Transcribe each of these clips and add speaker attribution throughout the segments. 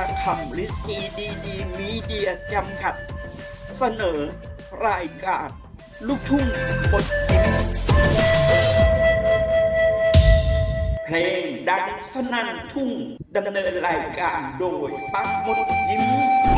Speaker 1: คำลิสีดีมีเดียจำกัด เสนอรายการลูกทุ่งบทยิ้มเพลงดังสนั่นทุ่งดำเนินรายการโดยปักมดยิ้ม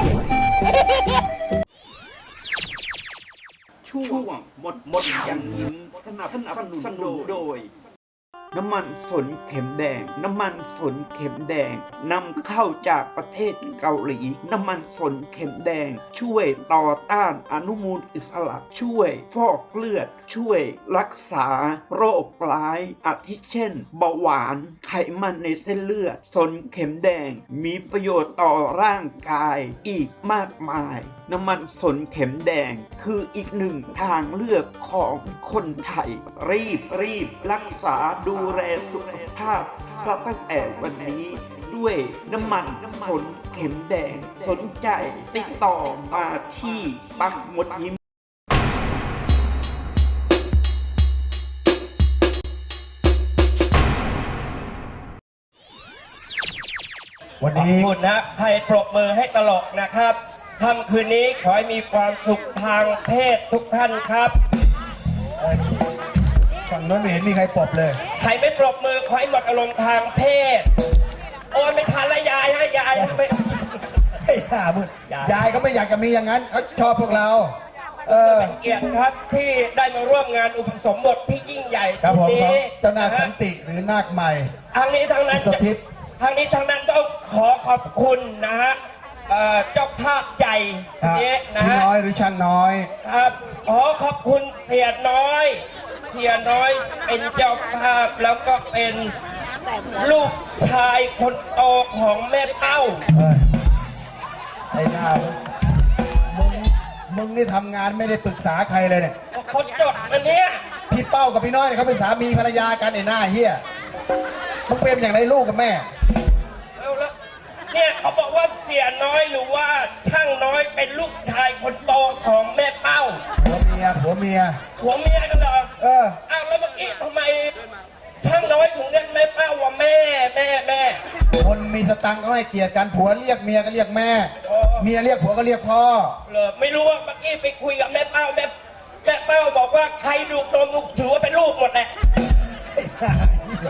Speaker 1: ช่วงหมดยังยิ้มสนับสนุนโดยน้ำมันสนเข็มแดงน้ำมันสนเข็มแดงนำเข้าจากประเทศเกาหลีน้ำมันสนเข็มแดงช่วยต่อต้านอนุมูลอิสระช่วยฟอกเลือดช่วยรักษาโรคร้ายอาทิเช่นเบาหวานไขมันในเส้นเลือดสนเข็มแดงมีประโยชน์ต่อร่างกายอีกมากมายน้ำมันสนเข็มแดงคืออีกหนึ่งทางเลือกของคนไทยรีบรักษาดูแลสุขภาพซะตั้งแต่วันนี้ด้วยน้ำมันสนเข็มแดงสนใจติดต่อมาที่ปักหมดยิ้ม
Speaker 2: วันนี้
Speaker 3: ขอบคุณนะให้ปรบมือให้ตลกนะครับค่ำคืนนี้ขอให้มีความสุขทางเพศทุกท่านครับ
Speaker 2: ฝั่งโน้นไม่เห็นมีใครปรบเลย
Speaker 3: ใครไม่ปรบมือขอให้หมดอารมณ์ทางเพศโอนไม่ทันละยายให้ยายให้ไป
Speaker 2: ไอ้ห่ามึงยายก็ไม่อยากจะมีอย่างนั้นเขาชอบพวกเรา
Speaker 3: เป็นเกียรติครับที่ได้มาร่วมงานอุปสมบทที่ยิ่งใหญ่
Speaker 2: ครับผม
Speaker 3: นี้
Speaker 2: เจ้านาคสันติหรือนาคใหม่
Speaker 3: ทางนี้ทางนั้น
Speaker 2: สถิต
Speaker 3: ทางนี้ทางนั้นต้องขอขอบคุณนะฮะเจ้าภาพใหญ่นี้นะ
Speaker 2: พี่
Speaker 3: ฮะ
Speaker 2: น้อยหรือช่างน้อย
Speaker 3: ครับขอขอบคุณเสียน้อยเป็นเจ้าภาพแล้วก็เป็นลูกชายคนโตของแม่เป้า
Speaker 2: ไอ้หน้ามึงนี่ทำงานไม่ได้ปรึกษาใครเลยเนี่ย
Speaker 3: เขาจดอันเนี้ย
Speaker 2: พี่เป้ากับพี่น้อยเนี่ยเขาเป็นสามีภรรยากันไอ้หน้าเฮียมึงเป็นอย่างไรลูกกับแม่
Speaker 3: เอาละเนี่ยเขาบอกว่าเสียน้อยหรือว่าช่างน้อยเป็นลูกชายคนโตของแม่เป้า
Speaker 2: ผัวเมีย
Speaker 3: ผัวเมียกันเหรออ้าวแล้วเมื่อกี้ทำไมช่างน้อยถึงเรียกแม่เป้าว่าแม่
Speaker 2: คนมีสตังค์ก็ให้เกียรติกันผัวเรียกเมียก็เรียกแม่เมียเรียกผัวก็เรียกพ่อ
Speaker 3: เหรอไม่รู้ว่าเมื่อกี้ไปคุยกับแม่เป้าแม่เป้าบอกว่าใครดูดนมถือว่าเป็นลูกหมดแหละ